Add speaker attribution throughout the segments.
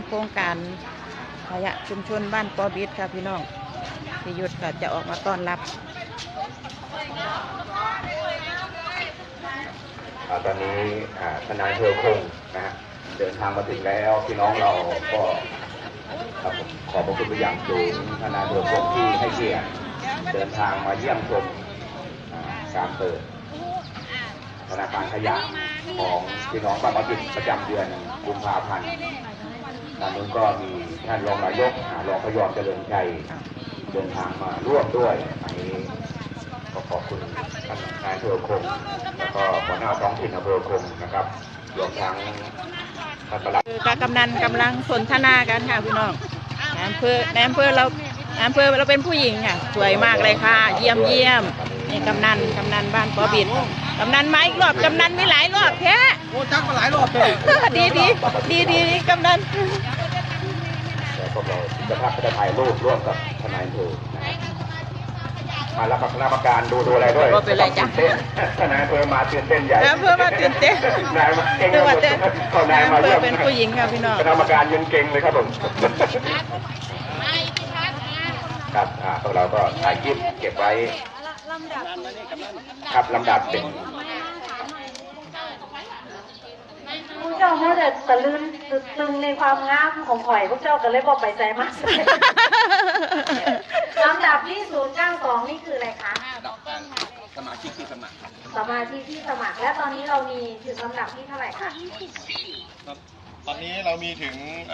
Speaker 1: โครงการขยะชุมชนบ้านปอบิดค่ะพี่น้องพิยุทธก็จะออกมาต้อนรับ
Speaker 2: ตอนนี้ทนายเธอคงนะฮะเดินทางมาถึงแล้วพี่น้องเราก็ขอบพระคุณไปอย่างสูงทนายเธอคงที่ให้เกียรติเดินทางมาเยี่ยมชมการเปิดธนาคารขยะของพี่น้องบ้านปอบิดประจำเดือนกุมภาพันธ์ด้านนู้นก็มีท่านรองนายกรองพยอมเจริญชัยเดินทางมาร่วมด้วยอันนี้ก็ขอบคุณท่านนายอำเภอคงแล้วก็หัวหน้าท้องถิ่นอำเภอคงนะครับรวมทั้งท่านปลัด
Speaker 1: คือการกำนันกำลังสนทนากันค่ะพี่น้องนายอำเภอเราเป็นผู้หญิงค่ะสวยมากเลยค่ะเยี่ยมนี่กำนันบ้านปอบิดกำนันมาอีกรอบกำนันมีหลายรอบแท้
Speaker 3: โอ้จักมาหลายรอบเลย
Speaker 1: ดีกำนัน
Speaker 2: พวกเราจะภาพจะถ่ายรูปร่วมกับทนายอำเภอมารับคณะกรรมการดูอะไรด้วย
Speaker 1: เป็นไรจ้ะ
Speaker 2: ทนายอำเภอมาตื่นเต้นใหญ่
Speaker 1: อำเภอมาตื่นเต้น
Speaker 2: นายมาเก่ง
Speaker 1: นายอำเภอเป็นผู้หญิงค่ะพี่น้อง
Speaker 2: คณะกรรมการยังเก่งเลยครับผมครับพวกเราก็ถ่ายคลิปเก็บไว้ครับลำดับเป็น
Speaker 4: พวกเจ้าเขาจะตะลึงตึงในความงามของข่อยพวกเจ้าก็เลยบอกไปใจมากลำดับที่092นี่คืออะไรคะ
Speaker 3: สมาชิกที่สมัคร
Speaker 4: และตอนนี้เรามีถึงลำดับที่เท่าไหร่คะ
Speaker 3: ตอนนี้เรามีถึง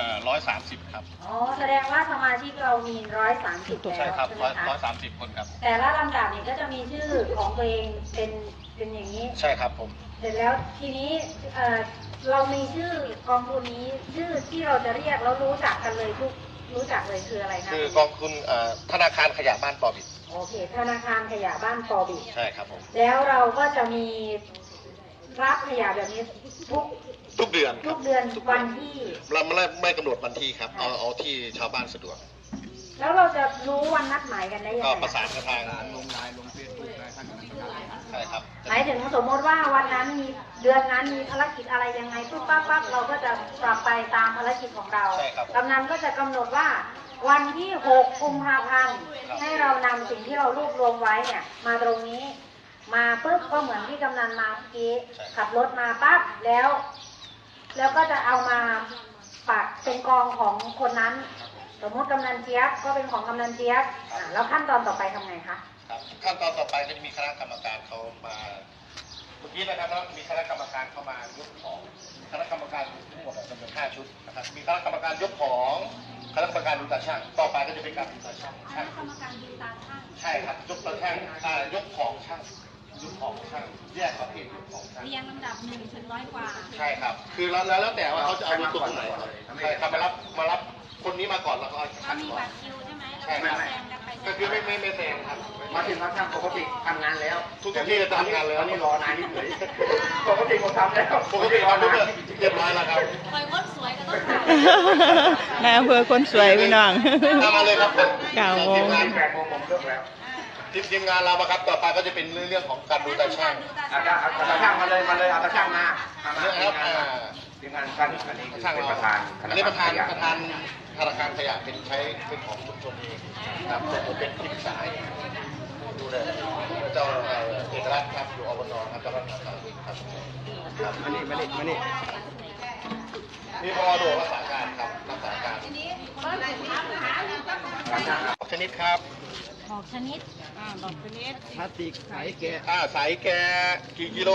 Speaker 3: 130ครับ
Speaker 4: อ๋อแสดงว่าสมาชิกเรามี130แล้ว
Speaker 3: ใช่ครับ
Speaker 4: ใช่ไหมคะ
Speaker 3: 130คนครับ
Speaker 4: แต่ละลำดับนี่ก็จะมีชื่อของตัวเองเป็นอย่างนี้
Speaker 3: ใช่ครับผม
Speaker 4: เสร็จแล้วทีนี้เรามีชื่อกองทุนนี้ชื่อที่เราจะเรียกแล้วรู้จักกันเลยรู้จักเลยคืออะไรนะ
Speaker 3: คือกองทุนธนาคารขยะบ้านปอบิด
Speaker 4: โอเคธนาคารขยะบ้านปอบิด
Speaker 3: ใช่ครับผม
Speaker 4: แล้วเราก็จะมีรับขยะแบบนี้
Speaker 3: ทุกเดือน
Speaker 4: วันที่
Speaker 3: เราไม่กำหนดวันที่ครับเอาที่ชาวบ้านสะดวก
Speaker 4: แล้วเราจะรู้วันนัดหมายกันได้ยังไง
Speaker 3: ก็ประสานกับทางลงไลน์ลงเฟซบุ๊กได้ใช่ครับ
Speaker 4: หมายถึงสมมติว่าวันนั้นมีเดือนนั้นมีภารกิจอะไรยังไงปั๊บเราก็จะปรับไปตามภารกิจของเรากำนันก็จะกำหนดว่าวันที่6 กุมภาพันธ์ให้เรานำสิ่งที่เรารวบรวมไว้เนี่ยมาตรงนี้มาปุ๊บก็เหมือนที่กำนันมาเมื่อกี้ขับรถมาปั๊บแล้วก็จะเอามาปักเป็นกองของคนนั้นสมมติกำนันเจี๊ยบก็เป็นของกำนันเจี๊ยบแล้วขั้นตอนต่อไปทำไงคะ
Speaker 3: ขั้นตอนต่อไปก็จะมีคณะกรรมการเขามาเมื่อกี้นะครับมีคณะกรรมการเข้ามายกของคณะกรรมการทั้งหมดจำนวน5 ชุดนะครับมีคณะกรรมการยกของคณะกรรมการดูตาช่างต่อไปก็จะเป็นการดูตาช่าง
Speaker 4: คณะกรรมการดูตาช่าง
Speaker 3: ใช่ครับยกตาช่างยกของช่างแยกประเภทยกของช่าง
Speaker 4: เรียงลำดับ1 ถึง 100 กว่า
Speaker 3: ใช่ครับคือแล้วแต่ว่าเขาจะเอาตัวไหนใช่ครับมารับคนนี้มาก่อนแล้วก็
Speaker 4: เรามีบัตรคิวใช่ไหม
Speaker 3: ใช่ครับก็คือไม่แซงครับ
Speaker 2: มาถึงเขาทำปกติทำงานแล้ว
Speaker 3: ทุกที่จะทำงานแล้ว
Speaker 2: ตอนนี้รอนายนิดหน่อยปกติผมทำแล้ว
Speaker 3: ปกติทำเรียบร้อยแล้วครับ
Speaker 4: คอยคนสวยก็ต้องถ่าย
Speaker 1: นายอำเภอคนสวยพี่น้อง
Speaker 3: มาเลยครับ
Speaker 1: 9 โมง
Speaker 2: 8 โมงผมเลิกแล้ว
Speaker 3: ทีมงานเราครับต่อไปก็จะเป็นเรื่องของการดูตาช่าง
Speaker 2: เอาตาช่างมาเลยเอาตาช่างมาทีมงานท่านอันนี้คือเป็นประธาน
Speaker 3: ประธานธนาคารขยะเป็นของชุมชนเองครับผมเป็นที่ปรึกษาดูเลยเจ้าเอกลักษณ์ครับอยู่อบตครับเจ้าหน้าที่ครับ
Speaker 2: มานี่
Speaker 3: นี่พอโดรักษาการครับรักษาการชนิดครับ
Speaker 4: บอกชนิด
Speaker 3: พลาสติกใสแกใสแกกี่กิโล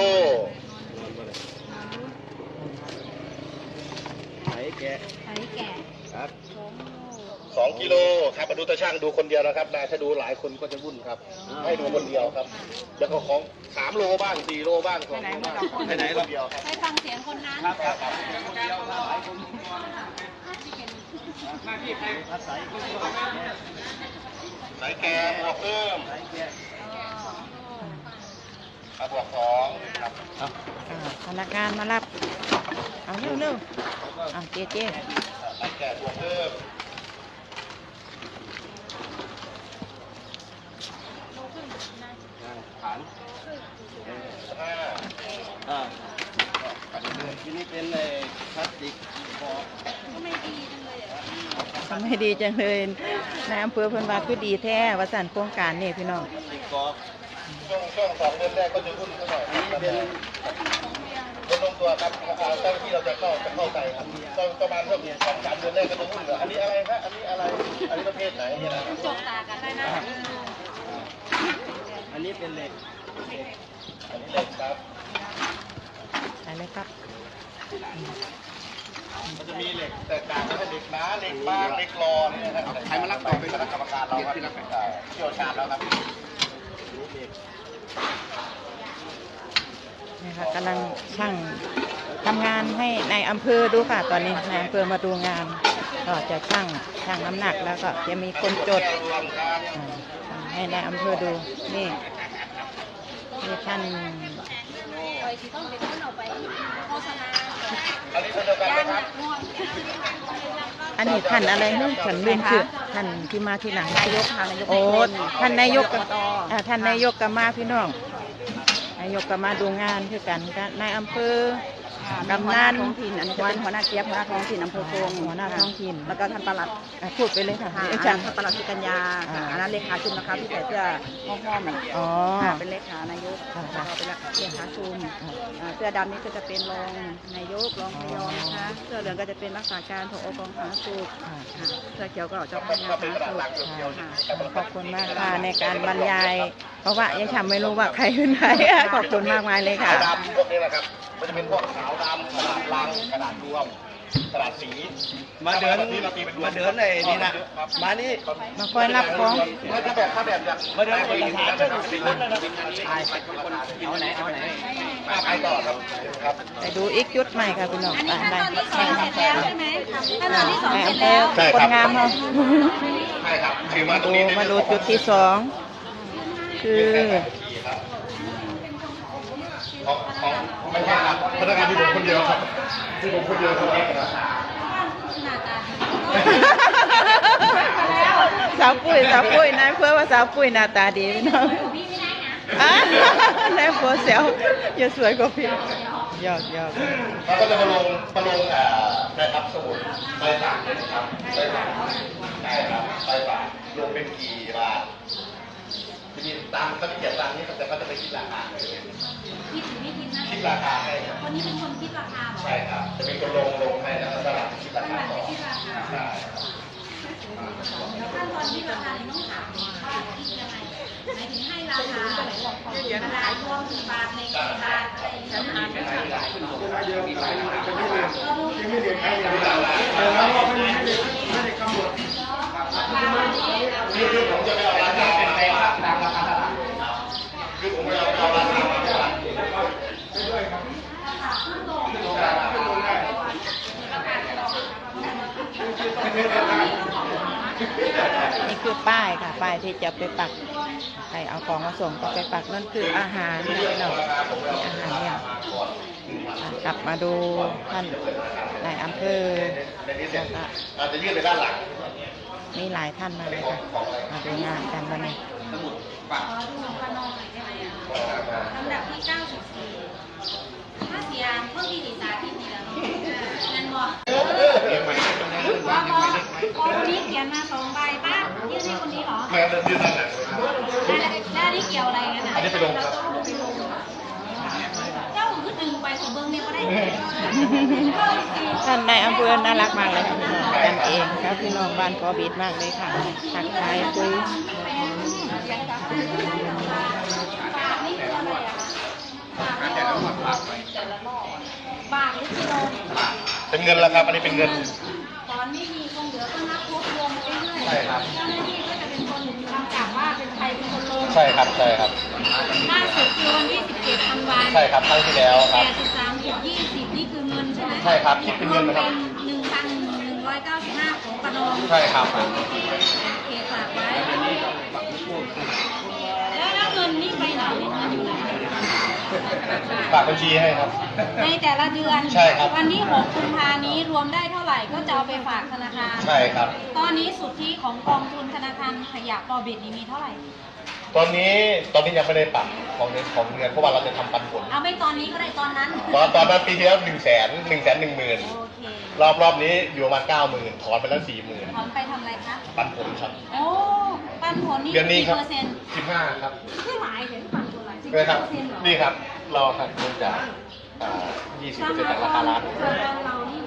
Speaker 3: ใสแกครับ2 กิโลครับมาดูตาช่างดูคนเดียวนะครับนายถ้าดูหลายคนก็จะวุ่นครับให้ดูคนเดียวครับแล้วก็ของ3 โลบ้าง4 โลบ้าง2 โลบ้างไปไหนคนเดียวครับ
Speaker 4: ให้ฟังเสียงคนนั้น
Speaker 3: ครับคนเดียวหลายคนมาที่ใครใสแกบวกเพิ่มบวก2ครับ
Speaker 1: พนักงานมารับเอาเร็วเจ๊
Speaker 3: ใสแกบวกเพิ่มฐานทีนี้เป็นพลาสติกก็ไม่ดีจังเลย
Speaker 1: ทำให้ดีจังเลยนายอำเภอเพิ่นว่าคือดีแท้ว่าสั่นโครงการนี่พี่น้อง
Speaker 3: ช่วง2 เดือนแรกก็จะรุ่นเท่าไหร่ลงตัวครับเจ้าที่เราจะเข้าใจครับต้องประมาณเท่า2-3 เดือนแรกก็จะรุ่นเหลืออันนี้อะไรครับอันนี้อะไรอันนี้ประเภทไหนเนี่ยนะ
Speaker 4: จกตากันได้นะ
Speaker 3: อันนี้เป็นเหล็กอันนี้เหล็กครับ
Speaker 1: ใช่เลยครับ
Speaker 3: มันจะมีเหล็กแตกต่างกันเหล็กหนาเหล็กบางเหล็กรอนี่นะครับใครมารับต่อเป็นคณะกรรมการเราครับเชี่ยวชาญแล้วครับ
Speaker 1: นี่ค่ะกำลังช่างทำงานให้ในายอำเภอดูค่ะ ตอนนี้นายอำเภอมาดูงานก็จะช่างน้ำหนักแล้วก็จะมีคนจดให้นายอำเภอดูนี่ท่าน อันนี้ท่านอะไรเนาะฉันลืมชื่อท่านที่มาที่หลังนายกโอ้ท่านนายกท่านนายกก็มาพี่น้องนายกก็มาดูงานคือกันนายอำเภอกำนัน
Speaker 5: ท้องถิ่นอันนี้จะเป็นหัวหน้าเจี๊ยบหัวหน้าท้องถิ่นอำเภอโพง
Speaker 1: หัวหน้าท้องถิ่น
Speaker 5: แล้วก็ท่านปลัด
Speaker 1: พูดไปเลยค่ะ
Speaker 5: อา
Speaker 1: อา
Speaker 5: จา
Speaker 1: จาร ร
Speaker 5: ย์
Speaker 1: ย์
Speaker 5: ท่านปลัดสุกัญญาอันนั้นเลขาชุมนะคะที่ใส่เสื้อห้อมๆ
Speaker 1: อ๋อ
Speaker 5: เป็นเลขานายก
Speaker 1: ค่ะ
Speaker 5: แล้วก็เป็นเลขาชุมเสื้อดำนี่ก็จะเป็นรองนายกรองพยอมนะคะเสื้อเหลืองก็จะเป็นรักษาการผอกองสาธารณสุขเสื้อเขียวก็เจ้าพนักงานสาธารณสุข
Speaker 1: ขอบคุณมากค่ะในการบรรยาย เพราะว่ายังทำไม่รู้ว่าใครเป็นใครขอบคุณมากมายเลยค่ะ
Speaker 3: ขาวดำพวกนี้แหละครับมันจะเป็นพวกขาวดำกระดาษลังกระดาษรวมกระดาษสีมาเดินในนี่นะมานี่
Speaker 1: มาคอยรับของ
Speaker 3: ถ้าแบบอย่างมาเดินเอกสารเป็นคนนะครับเอาไหนไปต่อครับ
Speaker 1: ไปดูอีกจุดใหม่ค่ะพี่น้อง
Speaker 4: อัน
Speaker 1: ไป
Speaker 4: นี้ขั้น
Speaker 1: ไป
Speaker 4: ตอนที่ 2 เสร็จแล้วใช่ไหมขั้นตอนที่ 2 เสร็จ
Speaker 1: แล้
Speaker 4: แล้ว ว
Speaker 1: คนงามเขา
Speaker 3: ใช่ครับคือมาตรง
Speaker 1: ดู
Speaker 3: นี้
Speaker 1: มาดูจุดที่สองคือ
Speaker 3: ของไม่ใช่ครับพนักงานที่ผมคนเดียวครับที่ผมคนเดียวครับ
Speaker 1: สาวปุ้ยนายเพื่อว่าสาวปุ้ยหน้าตาดีพี่น้องนายเพื่อเซลอย่าสวยกว่าพี่หยอก
Speaker 3: เราก็จะมาลงได้รับสมุดใบฝากนะครับใบฝากใช่ครับใบฝากลงเป็นกี่บาทจะมีตามเขาเขียนตามนี้แต่เขาจะไปคิดราคาเลยคิดราคาให้
Speaker 4: คนนี้เป็นคนคิดราคา
Speaker 3: ใช่ครับจะมีคนลงให้แล้วก็สลับคิดราคาต่อใช่
Speaker 4: แล้วขั้นตอนที่ราคาเนี่ยต้องถามว่าคิดยังไงหมายถึงให้ราคาเวลารวมกี่บาทในกี่บาทอะไรอย่างเงี้ย
Speaker 3: คือผมจะไม่เอาราคาเป็นไปตามราคาตลาดคือผมไม่เอาราคามาตลาด
Speaker 1: นี่คือป้ายค่ะป้ายที่จะไปปักใครเอาของมาส่งก็ไปปักนั่นคืออาหารนะพี่น้องอาหารเนี่ยกลับมาดูท่านนายอำเภอแล้วก็
Speaker 3: อาจจะยื่นไปด้านหลัง
Speaker 1: มีหลายท่านมาเลยค่ะมาดูงานกันวันนี้
Speaker 4: ขอดูพนมหน่อยได้ไหมลำดับที่ 94ถ้าเสียงเมื่อกี้ดีสาที่นี่แล้วนั่นบอกคนนี้เขียนมา2 ใบป้ายื่นให้คนนี้เหรอ
Speaker 3: ไม่งั้นเดินยื่นด้านหลัง
Speaker 4: แล้วนี่เกี่ยวอะไรกันอ่ะ
Speaker 3: อันนี้ไปลงครับ
Speaker 4: เจ้าคือดึงไปของเบิ้งเนี่ยก็ได้
Speaker 1: ท่านนายอำเภอน่ารักมากเลยค่ะพี่น้องกันเองครับพี่น้องบ้านขอบีดมากเลยค่ะทักทายคุย
Speaker 4: บาทหรือกิโล
Speaker 3: เป็นเงินแล้วครับ อันนี้เป็นเงิน
Speaker 4: ตอนไม่มีคงเหลือก็นับรวบรวมไปเรื่อย
Speaker 3: ใช่ครับ
Speaker 4: เจ้าหน้าที่ก็จะเป็นคนกำกับว่าเป็นใครเป็นคนลง
Speaker 3: ใช่ครับ ใช่ครับ
Speaker 4: ล่าสุดคือวันที่17 ธันวาคม
Speaker 3: ใช่ครับครั้งที่แล้วครับ
Speaker 4: 83.20นี่คือเงินใช่ไหม
Speaker 3: ใช่ครับคิดเป็นเงินนะครับ
Speaker 4: เป็น 1,195 ของปนอง
Speaker 3: ใช่ครับ
Speaker 4: โอเคฝากไว้ แล้วเงินนี่ไปไหนเนี่ยเงินอยู่ไหน
Speaker 3: ฝากบัญชีให้ครับ
Speaker 4: ในแต่ละเดือน
Speaker 3: ใช่ครับ
Speaker 4: วันที่6 กุมภานี้รวมได้เท่าไหร่ก็จะเอาไปฝากธนาคาร
Speaker 3: ใช่ครับ
Speaker 4: ตอนนี้สุทธิของกองทุนธนาคารขยะปอบิดนี่มีเท่าไหร่
Speaker 3: ตอนนี้ยังไม่ได้ปรับของเงินเพราะว่าเราจะทำปันผล
Speaker 4: เอาไม่ตอนนี้ก็ได้ตอนนั้น
Speaker 3: ตอนนั้นปีที่แล้ว110,000
Speaker 4: โอเค
Speaker 3: รอบนี้อยู่ประมาณ90,000ถอนไปแล้ว40,000
Speaker 6: ถอนไปทำอะไรคะ
Speaker 3: ปันผลครับ
Speaker 6: โอ้ปันผลนี่
Speaker 3: เดือนนี้
Speaker 6: กี่
Speaker 3: ครับ
Speaker 6: เปอร์เซ็นต์
Speaker 3: 15ครับ
Speaker 6: คือหลายเห็นปันผลหลายสิบ
Speaker 3: เลยครับ
Speaker 6: เปอร์เซ็นต์เหรอ
Speaker 3: นี่ครับเราหักเงินจาก20%จากราคาร้าน
Speaker 6: ส่วนเรานี่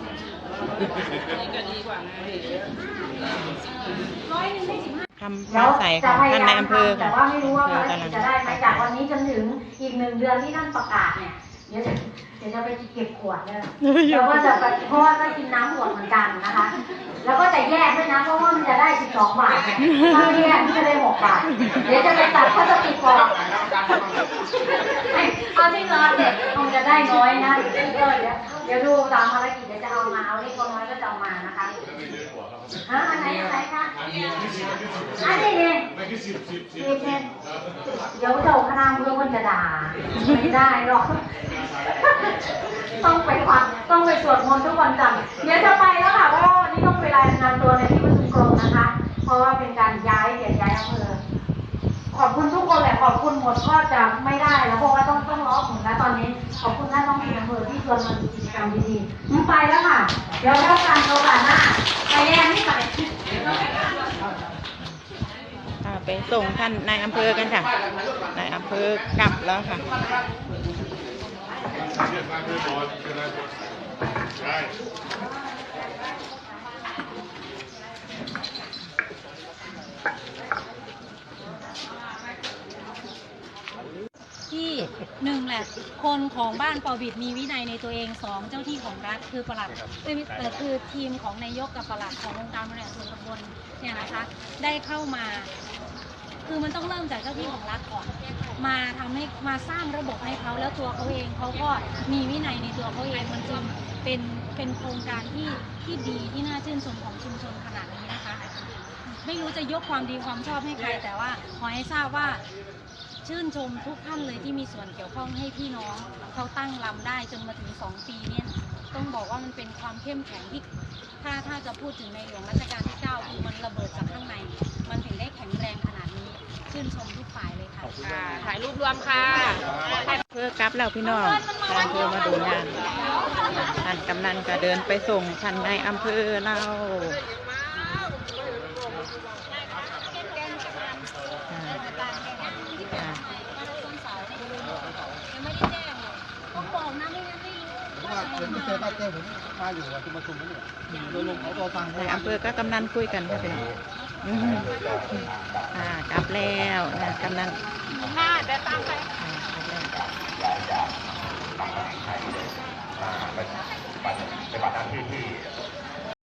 Speaker 6: ร้อยหนึ่งได้15
Speaker 1: คำมาใส่ของท่านในอำเภอ
Speaker 4: แต่
Speaker 1: ค่ะ
Speaker 4: ว่าไม่รู้ว่า
Speaker 1: อำ
Speaker 4: ภาร
Speaker 1: เภอกำ
Speaker 4: กิ
Speaker 1: ลั
Speaker 4: จ
Speaker 1: ง
Speaker 4: จะได้ไหมจากวันนี้จนถึงอีก1 เดือนที่ท่านประกาศเนี่ยเดี๋ยวจะไปเก็บขวดเนี่ยแล้วก็จะไปเพราะว่าก็กินน้ำขวดเหมือนกันนะคะ แล้วก็จะแยกด้วยนะเพราะว่ามันจะได้12 บาทเนี่ยถ้าไม่แยกมันจะได้6 บาทเดี๋ยวจะไปตัดพลาสติกออกเอาที่นอนเนี่ยคงจะได้น้อยนะเดี๋ยวดูตามภารกิจเดี๋ยวจะเอามาเอาเล็กน้อยก็จะเอามานะคะอันไหนคะอันนี้เนี่ยเดี๋ยวเจ้าคณะเพื่อนคนจะด่าไม่ได้หรอกต้องไปฟังต้องไปสวดมนต์ทุกวันจันทร์เดี๋ยวจะไปแล้วค่ะเพราะว่าวันนี้ต้องไปรายงานตัวในที่ประชุมกรมนะคะ เพราะว่าเป็นการย้ายอำเภอขอบคุณทุกคนแหละขอบคุณหมดก็จะไม่ได้แล้วเพราะว่าต้องร้องหมุนแล้วตอนนี้ขอบคุณท่านท้องถิ่นอำเภอที่ชวนมาดูกิจกรรมดีๆมึงไปแล้วค่ะเดี๋ยวแล้วกันโอกาสหน้าไปแน่นี่ไป
Speaker 1: ไปส่งท่านนายอำเภอกันค่ะนายอำเภอกลับแล้วค่ะ
Speaker 6: ที่หนึ่งแหละคนของบ้านปอบิดมีวินัยในตัวเอง2เจ้าที่ของรัฐคือปลัดคือทีมของนายกกับปลัดขององค์การบริหารส่วนตำบลเนี่ยนะคะได้เข้ามา คือมันต้องเริ่มจากเจ้าที่ของรัฐก่อนมาทำให้มาสร้างระบบให้เขาแล้วตัวเขาเองเขาก็มีวินัยในตัวเขาเองมันจึงเป็นโครงการที่ดีที่น่าชื่นชมของชุมชนขนาดนี้นะคะไม่รู้จะยกความดีความชอบให้ใครแต่ว่าขอให้ทราบว่าชื่นชมทุกท่านเลยที่มีส่วนเกี่ยวข้องให้พี่น้องเขาตั้งลำได้จนมาถึง2 ปีเนี่ยต้องบอกว่ามันเป็นความเข้มแข็งที่ถ้าจะพูดถึงในหลวงรัชกาลที่9คือมันระเบิดจากข้างในมันถึงได้แข็งแรงขนาดนี้ชื่นชมทุกฝ่ายเลยค่ะ
Speaker 1: ถ่ายรูปรวมค่ะเพื่อกลับแล้วพี่น้องนายอำเภอมาดูงานท่านกำนันก็เดินไปส่งท่านนายอำเภอเรานายอำเภอก็กำนันคุยกันค่ะพี่น้องกลับแล้วนะกำนันเดินตามไป
Speaker 2: ย้ายจากตำแหน่งใครเลยมาไปปฏิบัติหน้าที่ที่